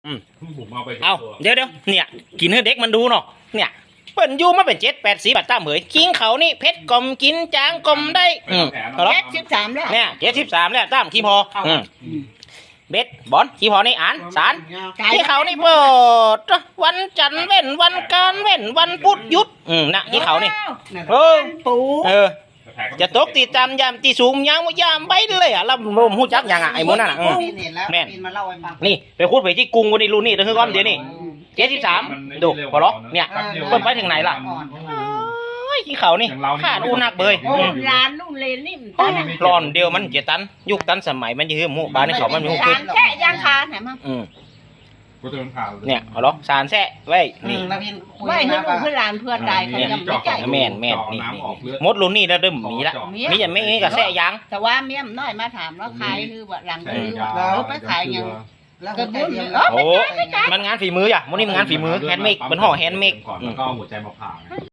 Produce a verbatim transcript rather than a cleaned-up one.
อืมผมเอาไปเอาเดี๋ยวเดี๋ยวเนี่ยกินให้เด็กมันดูเนาะเนี่ยเปิ่นอยู่มาเป็นเจ็ดแปดสีบัตรตามเหยกินเขานี่เพชรกลมกินจางกลมได้อืมเอาละเจ็ดสิบสามแล้วเนี่ยเจ็ดสิบสามแล้วตามขี้พออืมเบ็ดบอลขี้พอนี่อ่านสารขี้เขานี่เปิดวันจันทร์เว้นวันการเว้นวันพุธหยุดอืมนะขี้เขานี่เออปูเออจะตกตีตามยามตีสูงยามว่ายามไปเลยอ่ะแล้วผมหูจักยังอ่ะไอ้โมนั่นอ่ะอืมเห็นแล้วแม่นปีนมาเล่าให้ฟังนี่ไปพูดไปที่กรุงวันนี้รู้นี่เดี๋ยวคือก้อนเดี๋ยวนี่เจ็ดสิบสามดูพอหรอเนี่ยเพิ่นไปถึงไหนล่ะโอ้ยขี้เขานี่ขาดอูนักเบยโอ้อืมร้านนู่นเลยนี่มันโอ้ยร้อนเดียวมันเจตันยุคตันสมัยมันจะคือหมู่บ้านในเขามันมีหมู่ร้าขึ้นนแค่ยางคาไหนมั้งอืมกูจะเป็นข่าวเนี่ยเอาหรอสารแซ่ไว้นี่ไม่ให้ลูกให้หลานเพื่อนตายเขายังไม่ใจแม่นแม่นนี่นี่มดรุ่นนี่แล้วเริ่มมีละมีอย่างไม่มีกับแซ่ยางแต่ว่าเมียมน้อยมาถามว่าขายคือว่าหลังคือว่าเขาไปขายยังกระบุนเออโอ้มันงานฝีมืออ่ะมันนี่มันงานฝีมือแฮนด์เมดเป็นห่อแฮนด์เมดก่อนแล้วก็เอาหัวใจมาผ่า